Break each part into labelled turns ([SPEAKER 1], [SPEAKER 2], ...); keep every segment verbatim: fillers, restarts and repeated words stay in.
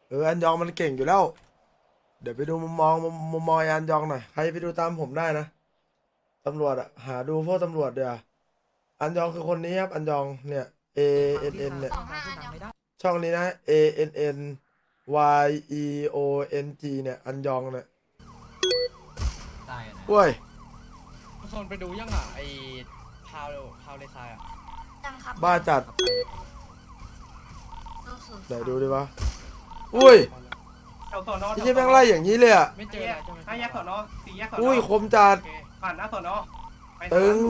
[SPEAKER 1] เอออันยองมันเก่งอยู่แล้วเดี๋ยวไปดูมุมมองมุมมุมมองไอ้อันยองหน่อยใครไปดูตามผมได้นะตำรวจอะหาดูพวกตำรวจเดี๋ยวาอันยองคือคนนี้ครับอันยองเนี่ย A N N เนี่ย
[SPEAKER 2] สองห้าอันยอง
[SPEAKER 1] ช่องนี้นะ A N N Y E O N G เนี่ยอันยองเนี่ย
[SPEAKER 3] ได้นะ
[SPEAKER 1] เว้ย
[SPEAKER 4] โซนไปดูยังอ่ะไอพาวพาวเลซายอ่ะ
[SPEAKER 2] ยังครับ
[SPEAKER 1] บ้าจัด
[SPEAKER 2] ดูสูง
[SPEAKER 1] ไหนดูดิวะอุ้ย
[SPEAKER 5] แถวสอนอ
[SPEAKER 1] ไม่ใช่แม่งไล่อย่างนี้เลยอะ
[SPEAKER 4] ไม่เจออะไรใช่ไหม
[SPEAKER 5] ห้าแยกสอนอสี่แยกสอนอ
[SPEAKER 1] อุ้ยคมจัด
[SPEAKER 4] โอเค
[SPEAKER 5] ผ่านหน้าสอนอไป
[SPEAKER 1] ตึง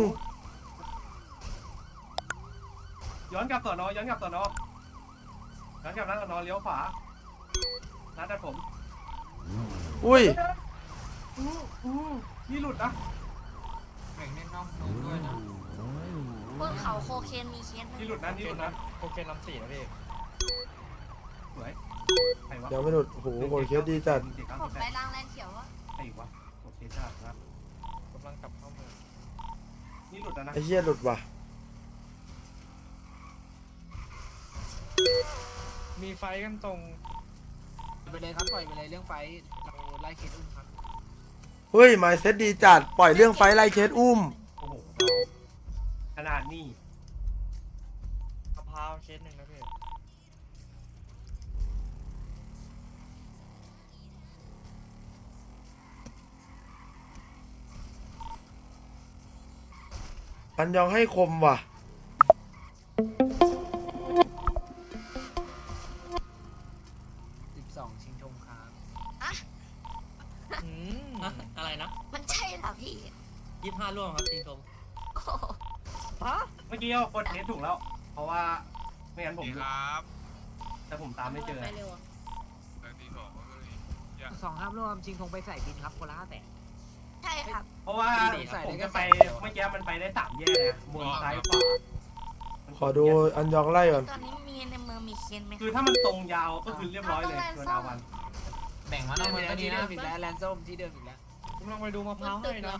[SPEAKER 5] ย้อนกลับสอนอย้อนกลับสอนอย้อนกลับหน้าสอนอเลี้ยวขวาร้านตัดผม
[SPEAKER 1] อุ้ย
[SPEAKER 5] อู้อู้นี่หลุดนะ
[SPEAKER 3] แบ่งเล่นนอกนู้นด้วยนะ
[SPEAKER 2] บนเขาโคเคนมีเคสไหม
[SPEAKER 5] นี่หลุดนะ
[SPEAKER 4] โอ
[SPEAKER 5] นี่
[SPEAKER 4] เค
[SPEAKER 5] หลุด
[SPEAKER 4] นะ
[SPEAKER 5] นะ
[SPEAKER 4] โอเคลำสี่นะพี่
[SPEAKER 5] สวยใครวะ
[SPEAKER 1] ยังไม่หลุดโอ้โหโหดเคสดีจัด
[SPEAKER 5] เจ็ดเก้า
[SPEAKER 2] ผ
[SPEAKER 5] สิ
[SPEAKER 2] ม
[SPEAKER 5] บแป
[SPEAKER 2] ไป
[SPEAKER 5] ด
[SPEAKER 2] ล้างแลนเขียววะ
[SPEAKER 5] ใครวะโอเคจ้าครับ
[SPEAKER 4] กำลังกลับเข้าเมือง
[SPEAKER 5] นี่หลุดแล้วนะ
[SPEAKER 1] ไอ้เหี้ยหลุดว่ะ
[SPEAKER 4] มีไฟกันตรง
[SPEAKER 3] ไปเลยครับปล่อยไปเลยเรื่องไฟเราไล่เคสอุ้มครับ
[SPEAKER 1] เฮ้ยไมเซ็ตดีจัดปล่อยเรื่องไฟไล่เคสอุ้ม
[SPEAKER 5] โอ้โหน้องขนาดนี้
[SPEAKER 4] มะพร้าวเคสหนึ่งนะพี่
[SPEAKER 1] อันยองให้คมว่ะ
[SPEAKER 3] สิบสองชิงชมครับ
[SPEAKER 4] อืม
[SPEAKER 6] อะอะไรนะ
[SPEAKER 2] มันใช่เหรอพี่
[SPEAKER 6] ยี่ห้าร่วงครับจริงชม
[SPEAKER 2] โอ้โห
[SPEAKER 4] ฮะ
[SPEAKER 5] เมื่อกี้เอากดเทสถูกแล้ว เพราะว่าไม่งั้นผม
[SPEAKER 7] ครับ
[SPEAKER 5] แต่ผมตามไม่เจอ
[SPEAKER 2] ไปเร็วอะ
[SPEAKER 7] แต่ที่สองก็เลย
[SPEAKER 3] สองห้ามร่วมชิงธงไปใส่บินครับคนละห้าแสน
[SPEAKER 2] ใช่ครับ
[SPEAKER 5] เพราะว่า
[SPEAKER 3] ดีๆใส่
[SPEAKER 5] ผ
[SPEAKER 3] ได้
[SPEAKER 5] ม
[SPEAKER 3] แค่
[SPEAKER 5] จะไป
[SPEAKER 3] สามเดียว
[SPEAKER 5] เมื่อกี้มันไปได้สามแยกเลยบนซ้ายขวา
[SPEAKER 1] ขอดูอันยองไล่ก่อน
[SPEAKER 2] ตอนนี้มีในเมืองมีเคสไหม
[SPEAKER 5] คือถ้ามันตรงยาวก็คือเรียบร้อยเลยโดนอาวัน
[SPEAKER 3] แบ่งมานอกเมืองก็ดีนะอีกแล้วแลนด์ส้มที่เดิมอีกแล้ว
[SPEAKER 4] กำลังไปดูมะพร้าวให้นะ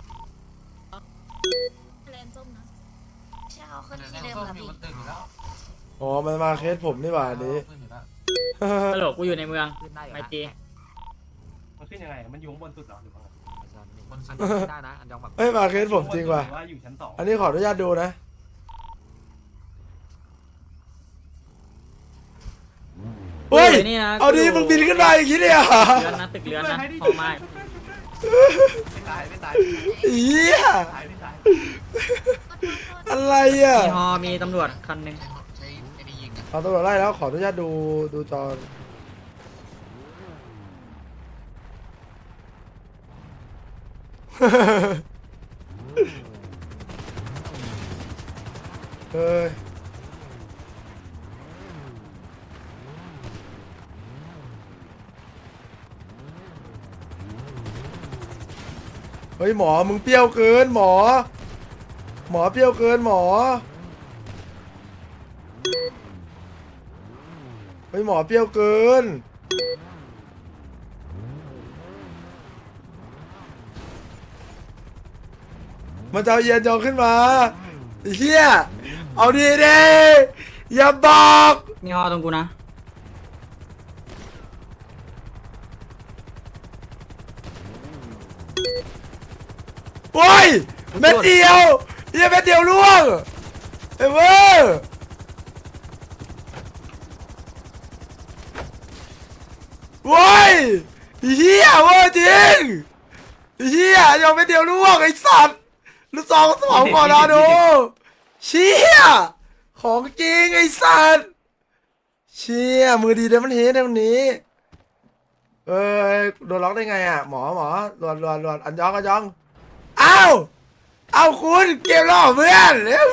[SPEAKER 2] แลนส้มนะใช่เขาขึ้น
[SPEAKER 3] แล
[SPEAKER 2] ที่
[SPEAKER 3] น
[SPEAKER 2] เดิม
[SPEAKER 3] ด์ส้ม
[SPEAKER 2] เหรอ
[SPEAKER 3] อยู่
[SPEAKER 2] พี่
[SPEAKER 3] บนตึกอยู่แล้ว
[SPEAKER 1] อ๋อมันมาเคสผมนี่หว่าอันนี้
[SPEAKER 3] ขึ้นอยู่แล้ว
[SPEAKER 6] ฮัลโหลกูอยู่ในเมือง
[SPEAKER 3] ขึ้นได้อยู่
[SPEAKER 6] ไม
[SPEAKER 3] นะ
[SPEAKER 6] จี
[SPEAKER 5] มันขึ้นยังไง มันอยู่ข้างบนสุดเหรอหรือว่า
[SPEAKER 3] บนอันยองขึ้นได้นะอันยองแบบ
[SPEAKER 1] เฮ้ยมาเคสผมจริงว่ะ
[SPEAKER 5] หอว่าอยู่ชั้นสอง
[SPEAKER 1] อันนี้ขออนุญาตดูนะเฮ้ย
[SPEAKER 6] นี่นะ
[SPEAKER 1] เอาดีมึงบินขึ้นมาอย่างนี้เลยเหรอ่ะ
[SPEAKER 6] เรือนนะตึกเรือนนะห้องไม้
[SPEAKER 5] ไม่ตายไม่ตาย
[SPEAKER 1] เหี้ย
[SPEAKER 5] ตายไม่ตาย
[SPEAKER 1] อะไรอ่ะ
[SPEAKER 6] มีฮอมีตำรวจคันหนึ่ง
[SPEAKER 3] ใช้ไอ้นี่ยิงอะ
[SPEAKER 1] เอาตำรวจไล่แล้วขออนุญาตดูดูจอเฮ้ยเฮ้ยหมอมึงเปรี้ยวเกินหมอ หมอเปรี้ยวเกินหมอเฮ้ยหมอเปรี้ยวเกินมันจะเอาเย็นจองขึ้นมาไอ้เฮียเอาดีดีอย่าบอก
[SPEAKER 6] มีฮอตรงกูนะ
[SPEAKER 1] โอ้ยเม็ดเดียวเฮียเม็ดเดียวล่วงเอ้ยเว้ยโว้ยเฮียเว้ยจริงเฮียยังเม็ดเดียวล่วงไอ้สัตว์ลูกสองสมองก่อนนะดูเชี่ยของจริงไอ้สัตว์เชี่ยมือดีเดมันเฮดตรงนี้เอ้ยโดนล็อกได้ไงอ่ะหมอหมอรวนรวนรวนอันยองอันยองอ้าวเอาคุณเกมล่อเพื่อน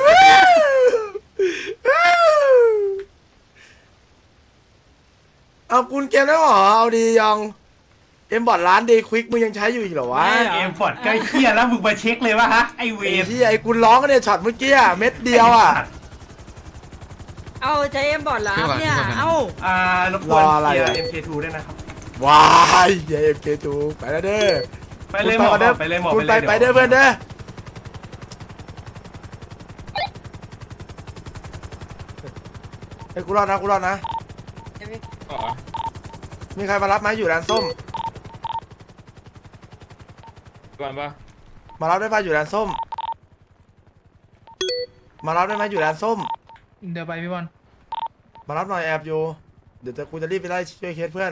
[SPEAKER 1] เอาคุณเกมแล้วเหรอเอาดียองเอ็มบอร์ดร้านเดย์ควิกมึงยังใช้อยู่อีกเหรอวะ
[SPEAKER 5] เกมฟอร์ดใกล้เคียแล้วมึงมาเช็คเลยวะฮะไอเว
[SPEAKER 1] ไอ้
[SPEAKER 5] ฟ
[SPEAKER 1] ที่ไอ้คุณร้องกันเนี่ยช็อตเมื่อกี้อะเม็ดเดียวอ่ะ
[SPEAKER 6] เอาใจเอ็มบอร์ดเหรอครับเนี่ย เอ้า
[SPEAKER 5] อ่ารบกวน
[SPEAKER 1] รออะไร
[SPEAKER 5] เคลีย
[SPEAKER 1] อะ
[SPEAKER 5] ร์ เอ็ม เค ทู ด้วยนะครับ
[SPEAKER 1] ว้ายเอ็มเคทูไปแล้วเด้อ
[SPEAKER 5] ไปเลยหมอ
[SPEAKER 1] คุณก่นด้
[SPEAKER 5] ไปเลยหมอ
[SPEAKER 1] คุณ
[SPEAKER 5] ไป
[SPEAKER 1] ไป
[SPEAKER 5] เลย
[SPEAKER 1] ไปเด้อเพื่อนเด้อไอ้กูรอดนะกูรอดนะมีใครมารับไหมอยู่แลนส้ม
[SPEAKER 8] ก่อนปะ
[SPEAKER 1] มารับได้ป่ะอยู่แลนส้ม มารับได้ไหมอยู่แลนส้ม
[SPEAKER 3] เดี๋ยวไปพี่บอล
[SPEAKER 1] มารับหน่อยแอบอยู่ เดี๋ยวจะกูจะรีบไปไล่ช่วยเคสเพื่อน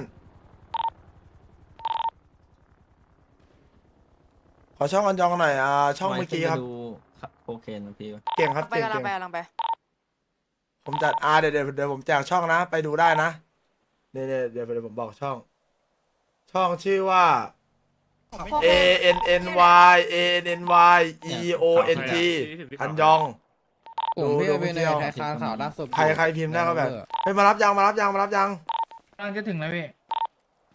[SPEAKER 1] ขอช่องอันยองหน่อยอ่าช่องเมื่อกี้ครับ
[SPEAKER 6] โอเคนะพี่
[SPEAKER 1] เก่งครับ
[SPEAKER 9] ไป
[SPEAKER 1] เก่ง
[SPEAKER 9] กำลั
[SPEAKER 1] เก่
[SPEAKER 9] ง
[SPEAKER 1] ง
[SPEAKER 9] ไปกำลังไป
[SPEAKER 1] ผมจัดอ่าเดี๋ยวเดี๋ยวเดี๋ยวผมแจกช่องนะ ไปดูได้นะเดี๋ยวเดี๋ยวเดี๋ยวเดี๋ยวผมบอกช่อง ช่องชื่อว่า A N N Y A N N Y E O N T อันยอง
[SPEAKER 4] ผมพี่
[SPEAKER 1] ดู
[SPEAKER 4] เป็น
[SPEAKER 1] ดู
[SPEAKER 4] ในไทยคานข่าวล่าสุด
[SPEAKER 1] ใครใครพิมพ์ได้ก็แบบเฮ้ยมารับยังมารับยังมารับยัง
[SPEAKER 3] กำลังจะถึงแล้วพี่